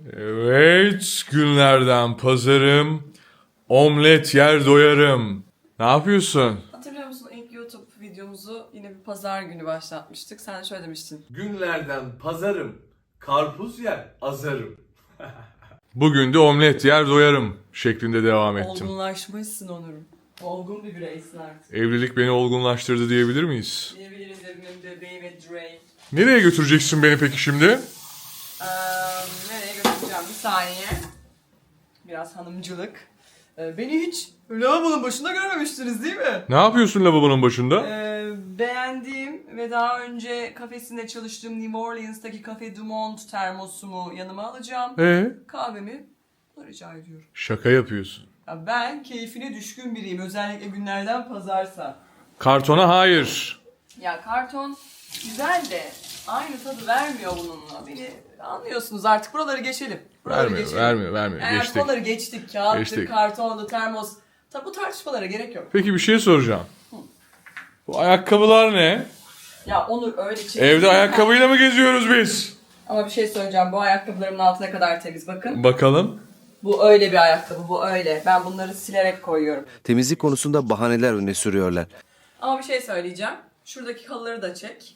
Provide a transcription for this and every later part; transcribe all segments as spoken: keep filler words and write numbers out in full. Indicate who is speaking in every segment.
Speaker 1: Evet, günlerden pazarım. Omlet yer doyarım. Ne yapıyorsun?
Speaker 2: Hatırlıyor musun ilk YouTube videomuzu yine bir pazar günü başlatmıştık. Sen şöyle demiştin.
Speaker 3: Günlerden pazarım, karpuz yer azarım.
Speaker 1: Bugün de omlet yer doyarım şeklinde devam ettim.
Speaker 2: Olgunlaşmışsın Onur'um. Olgun bir bireysin artık.
Speaker 1: Evlilik beni olgunlaştırdı diyebilir miyiz?
Speaker 2: Diyebiliriz evimin bebeği ve Dre.
Speaker 1: Nereye götüreceksin beni peki şimdi?
Speaker 2: Ee, nereye götüreceğim bir saniye. Biraz hanımcılık. Ee, beni hiç lavabonun başında görmemiştiniz değil mi?
Speaker 1: Ne yapıyorsun lavabonun başında?
Speaker 2: Ee, beğendiğim ve daha önce kafesinde çalıştığım New Orleans'taki Cafe Du Monde termosumu yanıma alacağım.
Speaker 1: Ee?
Speaker 2: Kahvemi rica ediyorum.
Speaker 1: Şaka yapıyorsun.
Speaker 2: Ya ben keyfine düşkün biriyim. Özellikle günlerden pazarsa.
Speaker 1: Kartona hayır.
Speaker 2: Ya karton güzel de aynı tadı vermiyor bununla. Beni anlıyorsunuz artık. Buraları geçelim. Buraları
Speaker 1: Vermiyor,
Speaker 2: geçelim.
Speaker 1: vermiyor, vermiyor.
Speaker 2: Yani
Speaker 1: Geçtik.
Speaker 2: buraları geçtik. Kağıttı,
Speaker 1: Geçtik.
Speaker 2: kartondu, termos. Tabi bu tartışmalara gerek yok.
Speaker 1: Peki bir şey soracağım. Bu ayakkabılar ne?
Speaker 2: Ya Onur öyle çekiyor.
Speaker 1: Evde ayakkabıyla mı geziyoruz biz?
Speaker 2: Ama bir şey söyleyeceğim. Bu ayakkabılarımın altı ne kadar temiz bakın.
Speaker 1: Bakalım.
Speaker 2: Bu öyle bir ayakkabı. Bu öyle. Ben bunları silerek koyuyorum.
Speaker 4: Temizlik konusunda bahaneler öne sürüyorlar.
Speaker 2: Ama bir şey söyleyeceğim. Şuradaki halıları da çek.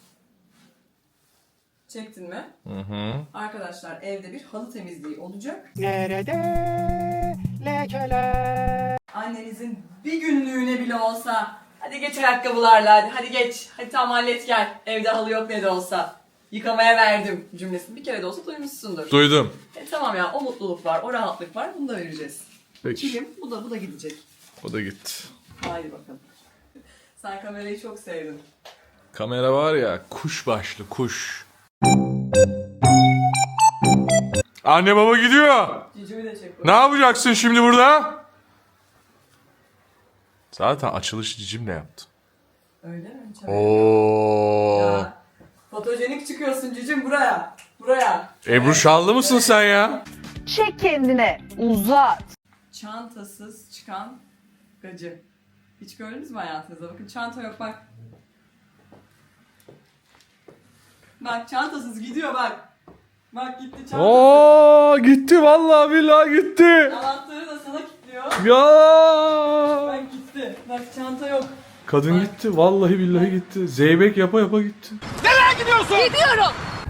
Speaker 2: Çektin mi?
Speaker 1: Hı hı.
Speaker 2: Arkadaşlar evde bir halı temizliği olacak.
Speaker 5: Nerede lekeler?
Speaker 2: Annenizin bir günlüğüne bile olsa hadi geç ayakkabılarla hadi, hadi geç. Hadi tamam hallet gel. Evde halı yok ne de olsa. Yıkamaya verdim cümlesini bir kere de olsa duymuşsundur.
Speaker 1: Duydum.
Speaker 2: E tamam ya o mutluluk var, o rahatlık var. Bunu da vereceğiz.
Speaker 1: Peki.
Speaker 2: Kilim bu da bu da gidecek.
Speaker 1: O da gitti.
Speaker 2: Haydi bakalım. Sen kamerayı çok sevdin.
Speaker 1: Kamera var ya kuş başlı kuş. Anne baba gidiyor.
Speaker 2: Cicimi de çek.
Speaker 1: Ne yapacaksın şimdi burada? Zaten açılış cicimle yaptım.
Speaker 2: Öyle mi? Hiç
Speaker 1: Oo.
Speaker 2: Ya, fotojenik çıkıyorsun cicim buraya. Buraya.
Speaker 1: Ebru Şallı mısın sen ya?
Speaker 6: Çek kendine, uzat.
Speaker 2: Çantasız çıkan gacı. Hiç gördünüz mü hayatınızda? Bakın çanta yok bak. Bak çantasız gidiyor bak. Bak gitti çantasız.
Speaker 1: Oo gitti vallahi billahi gitti.
Speaker 2: Anahtarı da sana kilitliyor.
Speaker 1: Ya.
Speaker 2: Bak gitti. Bak çanta yok.
Speaker 1: Kadın gitti vallahi billahi gitti. Zeybek yapa yapa gitti.
Speaker 6: Gidiyorum.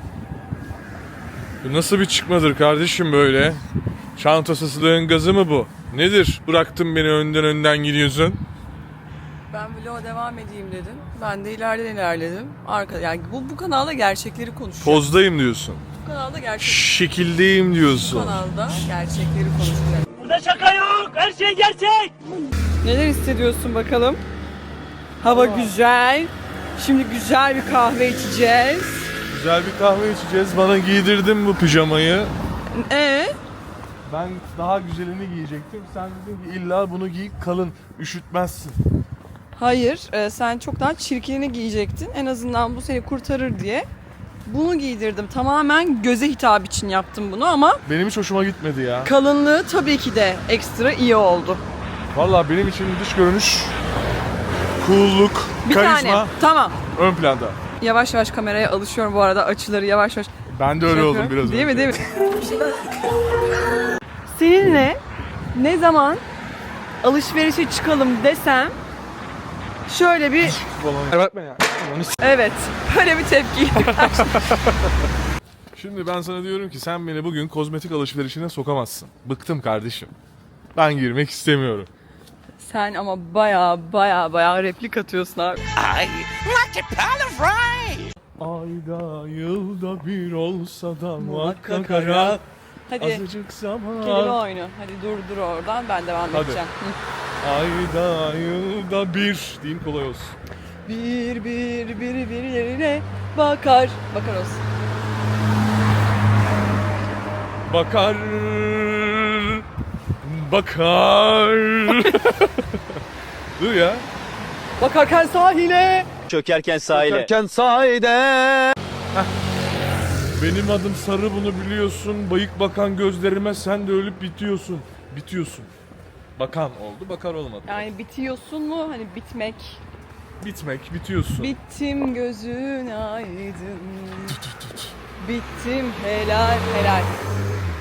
Speaker 1: Bu nasıl bir çıkmadır kardeşim böyle? Çantasızlığın gazı mı bu? Nedir? Bıraktın beni önden önden gidiyorsun.
Speaker 2: Ben vloga devam edeyim dedim. Ben de ileriden ilerledim. Arka, yani bu, bu kanalda gerçekleri konuşuyor.
Speaker 1: Pozdayım diyorsun.
Speaker 2: Bu kanalda gerçek.
Speaker 1: Şekildeyim
Speaker 2: Bu
Speaker 1: diyorsun.
Speaker 2: kanalda gerçekleri konuşuyor.
Speaker 5: Burada şaka yok. Her şey gerçek.
Speaker 2: Neler hissediyorsun bakalım? Hava güzel. Şimdi güzel bir kahve içeceğiz.
Speaker 1: Güzel bir kahve içeceğiz. Bana giydirdin bu pijamayı.
Speaker 2: Ee?
Speaker 1: Ben daha güzelini giyecektim. Sen dedin ki illa bunu giy kalın. Üşütmezsin.
Speaker 2: Hayır, e, sen çok daha çirkinini giyecektin. En azından bu seni kurtarır diye. Bunu giydirdim. Tamamen göze hitap için yaptım bunu ama
Speaker 1: Benim hiç hoşuma gitmedi ya.
Speaker 2: kalınlığı tabii ki de ekstra iyi oldu.
Speaker 1: Vallahi benim için dış görünüş, cool'luk,
Speaker 2: Bir
Speaker 1: karizma
Speaker 2: tane. Tamam.
Speaker 1: ön planda.
Speaker 2: Yavaş yavaş kameraya alışıyorum bu arada. Açıları yavaş yavaş.
Speaker 1: Ben de öyle
Speaker 2: şey
Speaker 1: oldum
Speaker 2: yapıyorum.
Speaker 1: biraz
Speaker 2: Değil
Speaker 1: önce.
Speaker 2: mi değil mi? Seninle ne zaman alışverişe çıkalım desem şöyle bir
Speaker 1: Bakma ya.
Speaker 2: evet böyle bir tepki.
Speaker 1: Şimdi ben sana diyorum ki sen beni bugün kozmetik alışverişine sokamazsın. Bıktım kardeşim. Ben girmek istemiyorum.
Speaker 2: Sen ama baya baya baya replik atıyorsun abi.
Speaker 1: Ayda yılda bir olsa da muhakkak ara.
Speaker 2: Hadi
Speaker 1: Azıcık zaman.
Speaker 2: kelime oyunu. Hadi dur dur oradan ben devam
Speaker 1: Hadi.
Speaker 2: edeceğim. Hı.
Speaker 1: Ayda yılda bir diyeyim kolay olsun.
Speaker 2: Bir bir biri birilerine bakar. Bakar olsun.
Speaker 1: Bakar. Bakar. Dur ya.
Speaker 2: Bakarken sahile.
Speaker 4: Çökerken sahile.
Speaker 5: Çökerken sahide.
Speaker 1: Benim adım Sarı bunu biliyorsun. Bayık bakan gözlerime sen de ölüp bitiyorsun. Bitiyorsun. Bakan oldu, bakar olmadı.
Speaker 2: Yani bitiyorsun mu? Hani bitmek.
Speaker 1: Bitmek, bitiyorsun.
Speaker 2: Bittim gözün aydın. Bittim helal helal.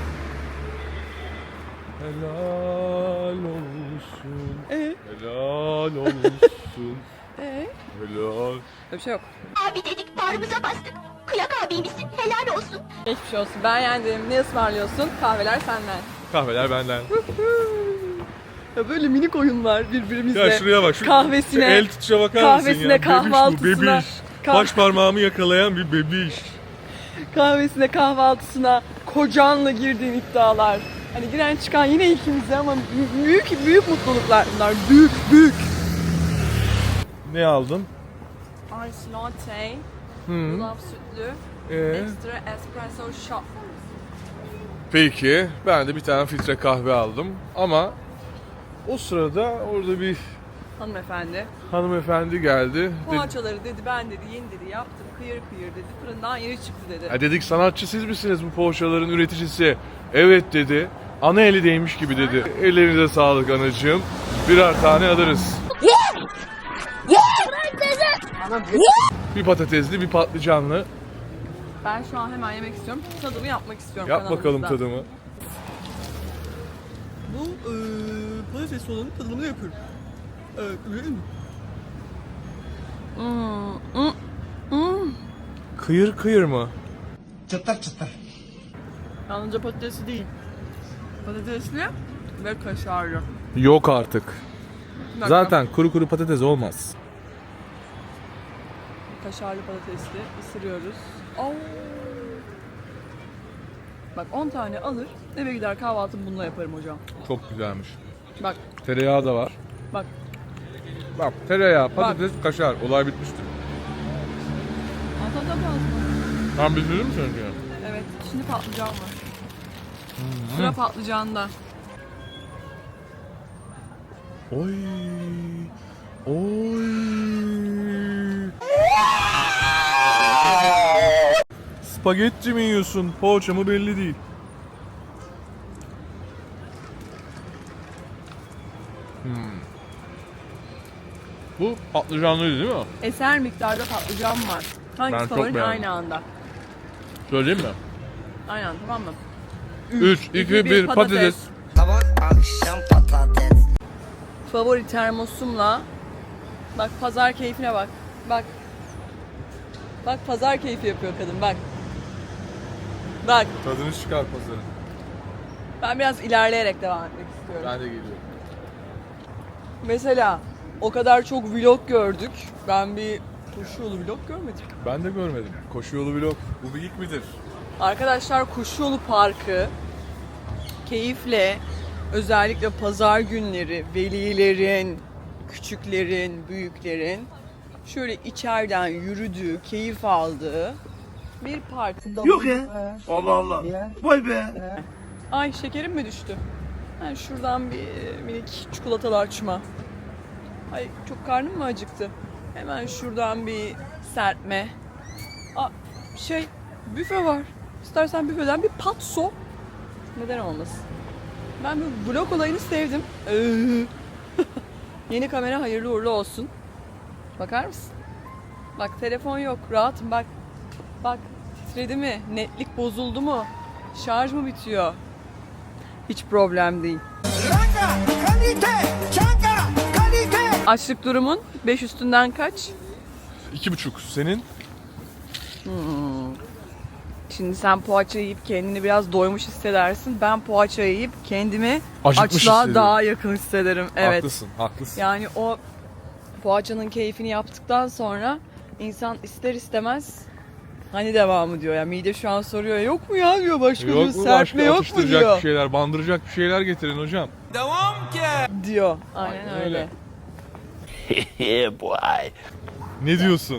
Speaker 1: Helal olsun.
Speaker 2: Ee?
Speaker 1: Helal olsun.
Speaker 2: Ee?
Speaker 1: Helal.
Speaker 2: Öyle bir şey yok.
Speaker 7: Abi dedik bağrımıza bastık. Kıyak abimizsin helal olsun.
Speaker 2: Geçmiş olsun. Ben yendim. Ne ısmarlıyorsun? Kahveler senden.
Speaker 1: Kahveler benden.
Speaker 2: Ya böyle minik oyunlar birbirimizle.
Speaker 1: Ya şuraya bak. Şu
Speaker 2: kahvesine,
Speaker 1: şu el tutuşa bakar mısın
Speaker 2: kahvesine,
Speaker 1: ya? Bebiş bu,
Speaker 2: kahvaltısına.
Speaker 1: bebiş.
Speaker 2: Kah-
Speaker 1: Baş parmağımı yakalayan bir bebiş.
Speaker 2: Kahvesine, kahvaltısına, kocanla girdiğin iddialar. Hani giren çıkan yine ikimize ama büyük büyük mutluluklar bunlar. Büyük büyük.
Speaker 1: Ne aldın?
Speaker 2: Ice latte,
Speaker 1: Hı.
Speaker 2: yulaf sütlü,
Speaker 1: Ee,
Speaker 2: extra espresso shot.
Speaker 1: peki ben de bir tane filtre kahve aldım ama o sırada orada bir
Speaker 2: Hanımefendi.
Speaker 1: hanımefendi geldi. Dedi,
Speaker 2: Poğaçaları dedi ben dedi yeni dedi yaptım kıyır kıyır dedi fırından yeni çıktı dedi.
Speaker 1: "Ha," dedik, sanatçı siz misiniz bu poğaçaların üreticisi? Evet dedi. Ana eli değmiş gibi dedi. Ellerinize sağlık anacığım. Birer tane alırız. Bir patatesli, bir patlıcanlı.
Speaker 2: Ben şu an hemen yemek istiyorum. Tadımı yapmak istiyorum
Speaker 1: Yap bakalım
Speaker 2: kanalımızda.
Speaker 1: tadımı.
Speaker 2: Bu eee patates olanın tadımını yapıyorum. Evet, öyle mi? Hmm, hmm, hmm.
Speaker 1: Kıyır kıyır mı?
Speaker 2: Yalnızca patatesli değil. Patatesli ve kaşarlı.
Speaker 1: Yok artık.
Speaker 2: Bir dakika.
Speaker 1: Zaten kuru kuru patates olmaz.
Speaker 2: Kaşarlı patatesli ısırıyoruz. Oo. Bak on tane alır, eve gider kahvaltımı bununla yaparım hocam.
Speaker 1: Çok güzelmiş.
Speaker 2: Bak,
Speaker 1: Tereyağı da var.
Speaker 2: bak.
Speaker 1: Bak tereyağı, patates, kaşar. Olay bitmiştir.
Speaker 2: Ata da fazla.
Speaker 1: Tam bitirdin mi sence?
Speaker 2: Evet, şimdi patlıcan var. Sıra patlıcanda.
Speaker 1: Oy. Oy. Spagetti mi yiyorsun? Poğaça mı belli değil. Hmm. Bu patlıcanlıydı değil mi?
Speaker 2: Eser miktarda patlıcan var.
Speaker 1: Ben
Speaker 2: Hangisi
Speaker 1: çok
Speaker 2: favorin
Speaker 1: beğendim.
Speaker 2: aynı anda?
Speaker 1: Söyleyeyim mi?
Speaker 2: Aynen tamam mı?
Speaker 1: üç, iki, bir, patates.
Speaker 2: Favori termosumla. Bak pazar keyfine bak. Bak. Bak pazar keyfi yapıyor kadın bak. Bak
Speaker 1: Tadını çıkar pazarın.
Speaker 2: ben biraz ilerleyerek devam etmek istiyorum.
Speaker 1: Ben de geliyorum.
Speaker 2: Mesela o kadar çok vlog gördük. Ben bir koşu yolu vlog görmedim.
Speaker 1: Ben de görmedim. Koşu yolu vlog. Bu bir ilk midir?
Speaker 2: Arkadaşlar Koşu Yolu Parkı keyifle özellikle pazar günleri velilerin, küçüklerin, büyüklerin şöyle içeriden yürüdüğü, keyif aldığı bir park.
Speaker 5: Yok ya. Allah Allah. Vay be.
Speaker 2: Ay şekerim mi düştü? Ben şuradan bir minik çikolatalı açma. Ay çok karnım mı acıktı? Hemen şuradan bir serpme. Aa, şey büfe var. İstersen büfeden bir patso. Neden olmasın? Ben bu vlog olayını sevdim. Yeni kamera hayırlı uğurlu olsun. Bakar mısın? Bak telefon yok. Rahatım bak. Bak titredi mi? Netlik bozuldu mu? Şarj mı bitiyor? Hiç problem değil. Açlık durumun beş üstünden kaç?
Speaker 1: İki buçuk. Senin?
Speaker 2: Şimdi sen poğaça yiyip kendini biraz doymuş hissedersin. Ben poğaça yiyip kendimi
Speaker 1: Acıkmış
Speaker 2: açlığa
Speaker 1: hissederim.
Speaker 2: daha yakın hissederim. Evet.
Speaker 1: Haklısın, haklısın.
Speaker 2: Yani o poğaçanın keyfini yaptıktan sonra insan ister istemez hani devamı diyor ya. Mide şu an soruyor yok mu ya diyor başka diyor.
Speaker 1: Yok mu
Speaker 2: Serpme
Speaker 1: başka
Speaker 2: yok mu
Speaker 1: atıştıracak
Speaker 2: diyor.
Speaker 1: bir şeyler, bandıracak bir şeyler getirin hocam.
Speaker 2: Diyor. Aynen,
Speaker 1: Aynen
Speaker 2: öyle.
Speaker 1: öyle.
Speaker 5: Yeah boy.
Speaker 1: Ne diyorsun?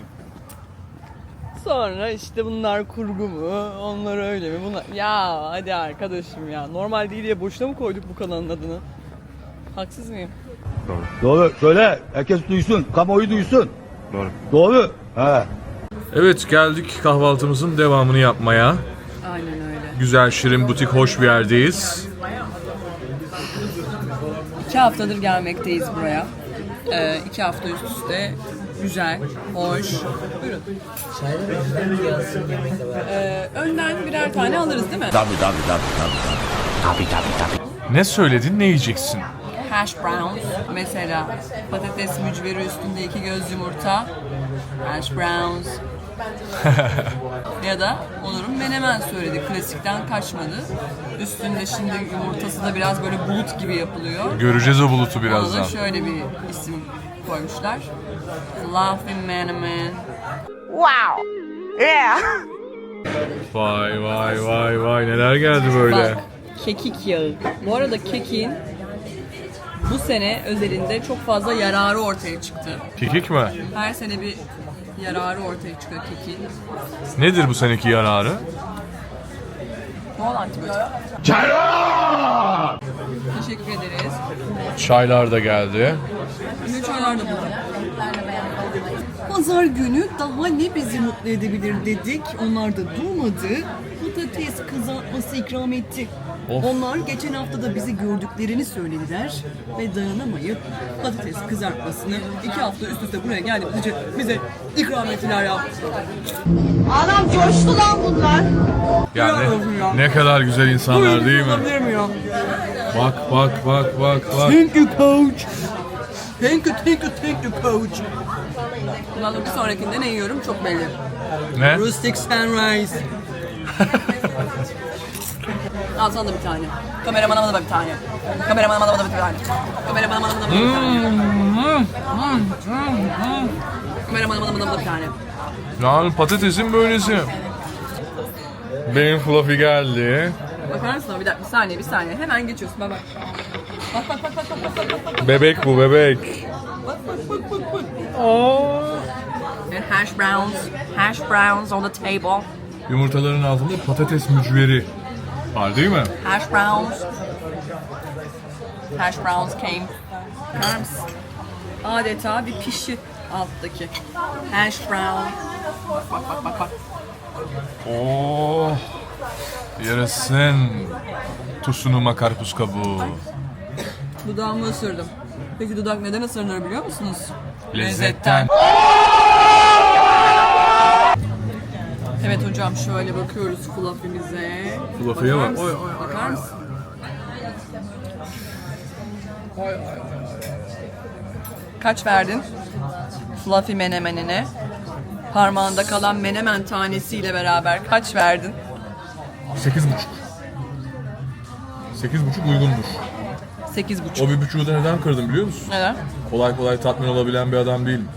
Speaker 2: Sonra işte bunlar kurgu mu? Onlar öyle mi? Bunlar... Ya hadi arkadaşım ya. Normal değil diye boşuna mı koyduk bu kanalın adını? Haksız mıyım?
Speaker 8: Doğru. Söyle. Herkes duysun. Kamuoyu duysun. Doğru. Doğru. He.
Speaker 1: Evet, geldik kahvaltımızın devamını yapmaya.
Speaker 2: Aynen öyle.
Speaker 1: Güzel, şirin, butik, hoş bir yerdeyiz.
Speaker 2: İki haftadır gelmekteyiz buraya. Ee, iki hafta üst üste güzel, hoş. Buyurun. Ee, önden birer tane alırız değil mi?
Speaker 5: Tabii tabii tabii tabii. Tabii tabii tabii.
Speaker 1: Ne söyledin, ne yiyeceksin?
Speaker 2: Hash browns mesela patates mücveri üstünde iki göz yumurta. Hash browns. Ya da Onur'un menemen söyledi. Klasikten kaçmadı. Üstünde şimdi yumurtası da biraz böyle bulut gibi yapılıyor.
Speaker 1: Göreceğiz o bulutu
Speaker 2: Ona da
Speaker 1: birazdan.
Speaker 2: şöyle bir isim koymuşlar. Fluffy menemen.
Speaker 6: Wow. Yeah.
Speaker 1: Vay vay vay vay neler geldi böyle.
Speaker 2: Bak, kekik yağı. Bu arada kekiğin bu sene özelinde çok fazla yararı ortaya çıktı.
Speaker 1: Kekik mi?
Speaker 2: Her sene bir yararı ortaya çıkıyor kekiğin.
Speaker 1: Nedir bu seneki yararı?
Speaker 2: Bol antibiyotik. Teşekkür ederiz.
Speaker 1: Çaylar da geldi.
Speaker 2: Ne çaylar da burada. Pazar günü daha ne bizi mutlu edebilir dedik. Onlar da durmadı. Patates kızartması ikram etti.
Speaker 1: Of.
Speaker 2: Onlar geçen hafta da bizi gördüklerini söylediler ve dayanamayıp patates kızartmasını iki hafta üst üste buraya geldikçe bize ikram ettiler ya.
Speaker 6: Anam coştu lan bunlar.
Speaker 1: Yani
Speaker 2: olsun ya.
Speaker 1: ne kadar güzel insanlar değil mi?
Speaker 2: Olabilir mi ya?
Speaker 1: Bak bak bak bak bak.
Speaker 2: Thank you coach. Thank you, thank you, thank you coach. Bundan sonra bir sonrakinde ne yiyorum çok belli.
Speaker 1: Ne?
Speaker 2: Rustic sunrise. Al sana da bir tane. Kameramana da bir tane. Kameramana da bir tane. Kameramana da bir tane. Kameramana da bir tane.
Speaker 1: Yani patatesin böylesi. Benim fluffy geldi.
Speaker 2: Bakar mısın? Bir dakika, bir saniye, bir saniye. Hemen geçiyorsun. Bak bak. Bak bak bak bak bak bak bak.
Speaker 1: Bebek bu bebek.
Speaker 2: And hash browns, hash browns on the table.
Speaker 1: Yumurtaların altında patates mücveri var değil mi?
Speaker 2: Hash browns. Hash browns came. Bakar mısın? Adeta bir pişi alttaki. Hash brown. Bak bak bak bak bak.
Speaker 1: Oh. Yarasın. Tusunuma karpuz kabuğu.
Speaker 2: Dudağımı ısırdım. Peki dudak neden ısırılır biliyor musunuz?
Speaker 1: Lezzetten.
Speaker 2: Evet hocam şöyle bakıyoruz fluffy'mize.
Speaker 1: Fluffy'ye
Speaker 2: Bakar
Speaker 1: bak.
Speaker 2: mısın? Bakar mısın? Kaç verdin? Fluffy menemenine. Parmağında kalan menemen tanesiyle beraber kaç verdin?
Speaker 1: Sekiz buçuk. Sekiz buçuk uygundur.
Speaker 2: Sekiz buçuk.
Speaker 1: O bir buçuğu da neden kırdım biliyor musun?
Speaker 2: Neden?
Speaker 1: Kolay kolay tatmin olabilen bir adam değilim.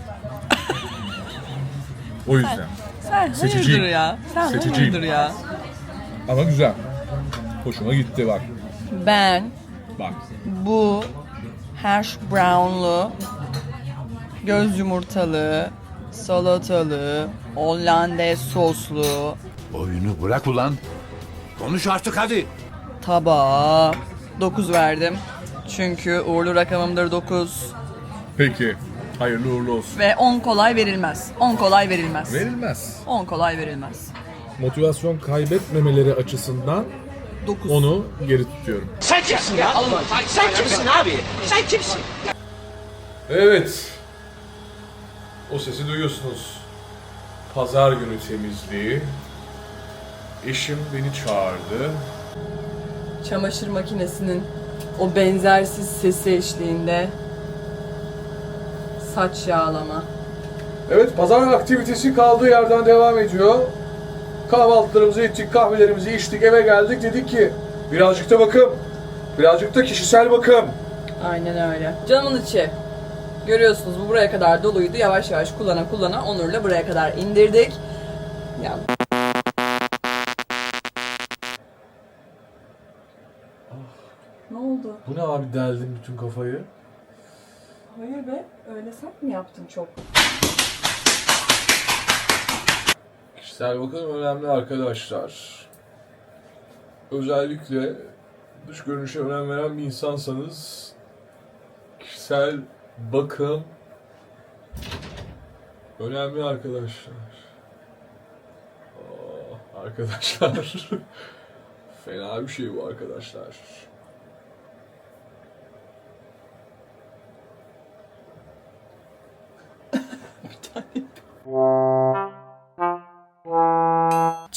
Speaker 1: O yüzden.
Speaker 2: Sen
Speaker 1: Seçiciyim.
Speaker 2: hayırdır ya? Sen
Speaker 1: Seçiciyim.
Speaker 2: hayırdır ya?
Speaker 1: Ama güzel. Hoşuma gitti bak.
Speaker 2: Ben
Speaker 1: Bak.
Speaker 2: bu hash brownlu, göz yumurtalı, salatalı, Hollandaise soslu
Speaker 5: Oyunu bırak ulan. Konuş artık hadi.
Speaker 2: tabağa dokuz verdim. Çünkü uğurlu rakamımdır dokuz.
Speaker 1: Peki. Hayırlı uğurlu olsun.
Speaker 2: Ve on kolay verilmez. on kolay verilmez.
Speaker 1: Verilmez.
Speaker 2: on kolay verilmez.
Speaker 1: Motivasyon kaybetmemeleri açısından
Speaker 2: dokuz.
Speaker 1: onu geri tutuyorum.
Speaker 5: Sen kimsin ya? Sen kimsin abi? Sen kimsin?
Speaker 1: Evet. O sesi duyuyorsunuz. Pazar günü temizliği. Eşim beni çağırdı.
Speaker 2: Çamaşır makinesinin o benzersiz sesi eşliğinde saç yağlama.
Speaker 1: Evet, pazar aktivitesi kaldığı yerden devam ediyor. Kahvaltılarımızı ettik, kahvelerimizi içtik, eve geldik. Dedik ki birazcık da bakım, birazcık da kişisel bakım.
Speaker 2: Aynen öyle. Canımın içi. Görüyorsunuz bu buraya kadar doluydu. Yavaş yavaş kullana kullana Onur'la buraya kadar indirdik. Ya. Ne oldu?
Speaker 1: Bu ne abi, deldim bütün kafayı.
Speaker 2: Hayır be. Öyle sert mi yaptın çok?
Speaker 1: Kişisel bakım önemli arkadaşlar. Özellikle dış görünüşe önem veren bir insansanız kişisel bakım önemli arkadaşlar. Aa, arkadaşlar. Fena bir şey bu arkadaşlar.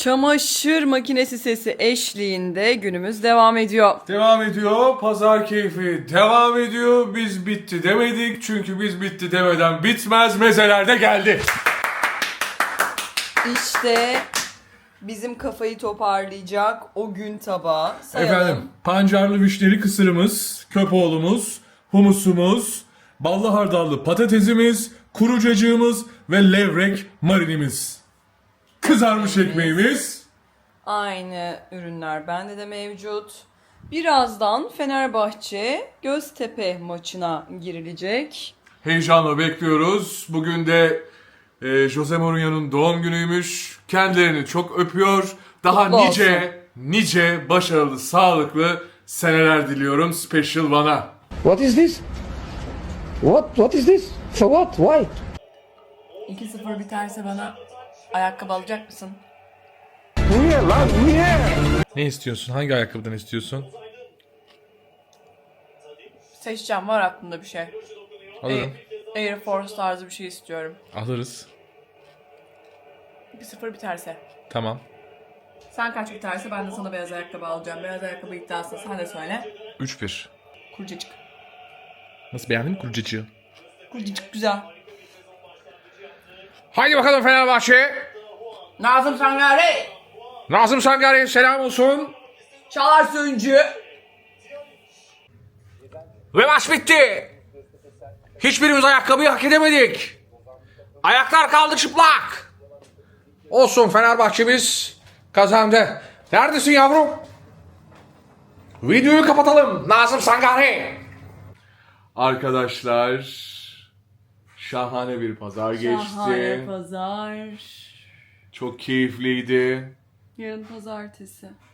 Speaker 2: çamaşır makinesi sesi eşliğinde günümüz devam ediyor.
Speaker 1: Devam ediyor. Pazar keyfi devam ediyor. Biz bitti demedik. Çünkü biz bitti demeden bitmez. Mezeler de geldi.
Speaker 2: İşte bizim kafayı toparlayacak o gün tabağı. Sayalım.
Speaker 1: Efendim, pancarlı vişneli kısırımız, köpoğlumuz, humusumuz, ballı hardallı patatesimiz, kuru cacığımız ve levrek marinimiz. Kızarmış ekmeğimiz.
Speaker 2: Aynı ürünler bende de mevcut. Birazdan Fenerbahçe Göztepe maçına girilecek.
Speaker 1: Heyecanla bekliyoruz. Bugün de e, Jose Mourinho'nun doğum günüymüş. Kendilerini çok öpüyor. Daha
Speaker 2: Kutlu
Speaker 1: nice,
Speaker 2: olsun.
Speaker 1: nice başarılı, sağlıklı seneler diliyorum Special One'a.
Speaker 9: What is this? What? What is this? For what? Why?
Speaker 2: iki sıfır biterse bana ayakkabı alacak mısın?
Speaker 9: Niye lan? Niye?
Speaker 1: Ne istiyorsun? Hangi ayakkabıdan istiyorsun?
Speaker 2: Seçeceğim, var aklımda bir şey.
Speaker 1: Alırım.
Speaker 2: Air Force tarzı bir şey istiyorum.
Speaker 1: Alırız.
Speaker 2: iki sıfır biterse.
Speaker 1: Tamam.
Speaker 2: Sen kaç biterse ben de sana beyaz ayakkabı alacağım. Beyaz ayakkabı iddiasını sen de söyle.
Speaker 1: üç bir.
Speaker 2: Kurcacık.
Speaker 1: Nasıl, beğendin mi kurucacığı?
Speaker 2: Kurcacık güzel.
Speaker 1: Haydi bakalım Fenerbahçe.
Speaker 2: Nazım Sangare.
Speaker 1: Nazım Sangare selam olsun.
Speaker 2: Çağlar Söğüncü.
Speaker 1: Ve maç bitti. Hiçbirimiz ayakkabıyı hak edemedik. Ayaklar kaldı çıplak. Olsun, Fenerbahçe'miz kazandı. Neredesin yavrum? Videoyu kapatalım. Nazım Sangare. Arkadaşlar, şahane bir pazar geçti.
Speaker 2: pazar.
Speaker 1: Çok keyifliydi.
Speaker 2: Yarın pazartesi.